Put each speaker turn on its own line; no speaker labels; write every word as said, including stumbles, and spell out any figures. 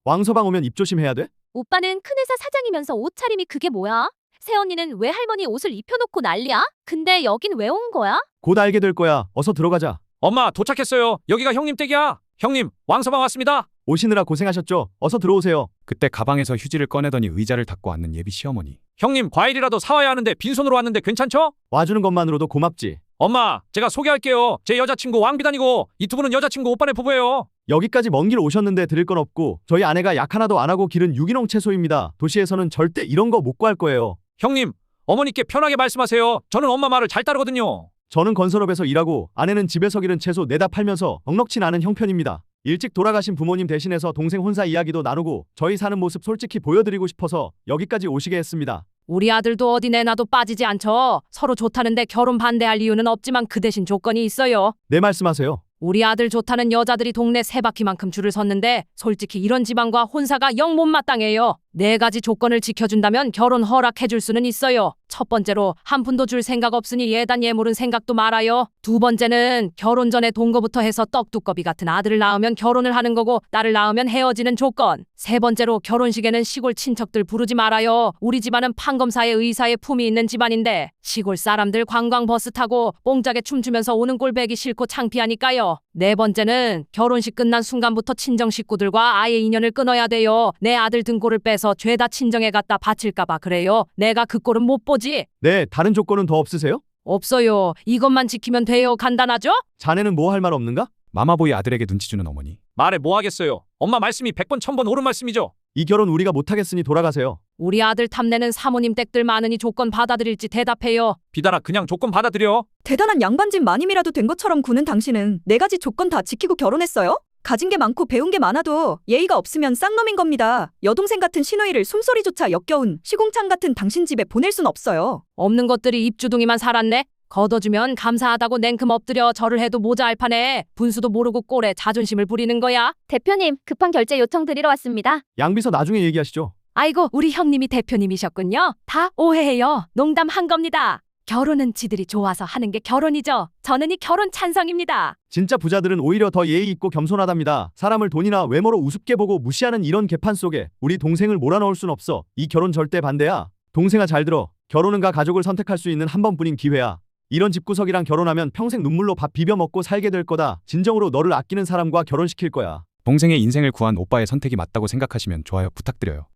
왕서방 오면 입조심해야 돼?
오빠는 큰 회사 사장이면서 옷차림이 그게 뭐야? 새언니는 왜 할머니 옷을 입혀놓고 난리야? 근데 여긴 왜 온 거야?
곧 알게 될 거야. 어서 들어가자.
엄마, 도착했어요. 여기가 형님 댁이야. 형님, 왕서방 왔습니다.
오시느라 고생하셨죠? 어서 들어오세요.
그때 가방에서 휴지를 꺼내더니 의자를 닦고 앉는 예비 시어머니.
형님, 과일이라도 사와야 하는데 빈손으로 왔는데 괜찮죠?
와주는 것만으로도 고맙지.
엄마, 제가 소개할게요. 제 여자친구 왕비단이고 이 두 분은 여자친구 오빠네 부부예요.
여기까지 먼 길 오셨는데 드릴 건 없고 저희 아내가 약 하나도 안 하고 기른 유기농 채소입니다. 도시에서는 절대 이런 거 못 구할 거예요.
형님, 어머니께 편하게 말씀하세요. 저는 엄마 말을 잘 따르거든요.
저는 건설업에서 일하고 아내는 집에서 기른 채소 내다 팔면서 넉넉진 않은 형편입니다. 일찍 돌아가신 부모님 대신해서 동생 혼사 이야기도 나누고 저희 사는 모습 솔직히 보여드리고 싶어서 여기까지 오시게 했습니다.
우리 아들도 어디 내놔도 빠지지 않죠. 서로 좋다는데 결혼 반대할 이유는 없지만 그 대신 조건이 있어요.
네, 말씀하세요.
우리 아들 좋다는 여자들이 동네 세 바퀴만큼 줄을 섰는데 솔직히 이런 집안과 혼사가 영 못마땅해요. 네 가지 조건을 지켜준다면 결혼 허락해줄 수는 있어요. 첫 번째로 한 푼도 줄 생각 없으니 예단 예물은 생각도 말아요. 두 번째는 결혼 전에 동거부터 해서 떡두꺼비 같은 아들을 낳으면 결혼을 하는 거고 딸을 낳으면 헤어지는 조건. 세 번째로 결혼식에는 시골 친척들 부르지 말아요. 우리 집안은 판검사의 의사의 품이 있는 집안인데 시골 사람들 관광버스 타고 뽕짝에 춤추면서 오는 꼴 배기 싫고 창피하니까요. 네 번째는 결혼식 끝난 순간부터 친정 식구들과 아예 인연을 끊어야 돼요. 내 아들 등골을 빼서 죄다 친정에 갖다 바칠까봐 그래요. 내가 그 꼴은 못 보지.
네, 다른 조건은 더 없으세요?
없어요. 이것만 지키면 돼요. 간단하죠?
자네는 뭐 할 말 없는가?
마마보이 아들에게 눈치 주는 어머니.
말해 뭐 하겠어요. 엄마 말씀이 백 번 천 번 옳은 말씀이죠.
이 결혼 우리가 못하겠으니 돌아가세요.
우리 아들 탐내는 사모님 댁들 많으니 조건 받아들일지 대답해요.
비단아, 그냥 조건 받아들여.
대단한 양반집 마님이라도 된 것처럼 구는 당신은 네 가지 조건 다 지키고 결혼했어요? 가진 게 많고 배운 게 많아도 예의가 없으면 쌍놈인 겁니다. 여동생 같은 시누이를 숨소리조차 역겨운 시궁창 같은 당신 집에 보낼 순 없어요.
없는 것들이 입주둥이만 살았네. 걷어주면 감사하다고 냉큼 엎드려 절을 해도 모자알 판에 분수도 모르고 꼴에 자존심을 부리는 거야.
대표님, 급한 결제 요청 드리러 왔습니다.
양비서 나중에 얘기하시죠.
아이고, 우리 형님이 대표님이셨군요. 다 오해해요. 농담한 겁니다. 결혼은 지들이 좋아서 하는 게 결혼이죠. 저는 이 결혼 찬성입니다.
진짜 부자들은 오히려 더 예의 있고 겸손하답니다. 사람을 돈이나 외모로 우습게 보고 무시하는 이런 개판 속에 우리 동생을 몰아넣을 순 없어. 이 결혼 절대 반대야. 동생아, 잘 들어. 결혼은 가 가족을 선택할 수 있는 한 번뿐인 기회야. 이런 집구석이랑 결혼하면 평생 눈물로 밥 비벼 먹고 살게 될 거다. 진정으로 너를 아끼는 사람과 결혼시킬 거야.
동생의 인생을 구한 오빠의 선택이 맞다고 생각하시면 좋아요 부탁드려요.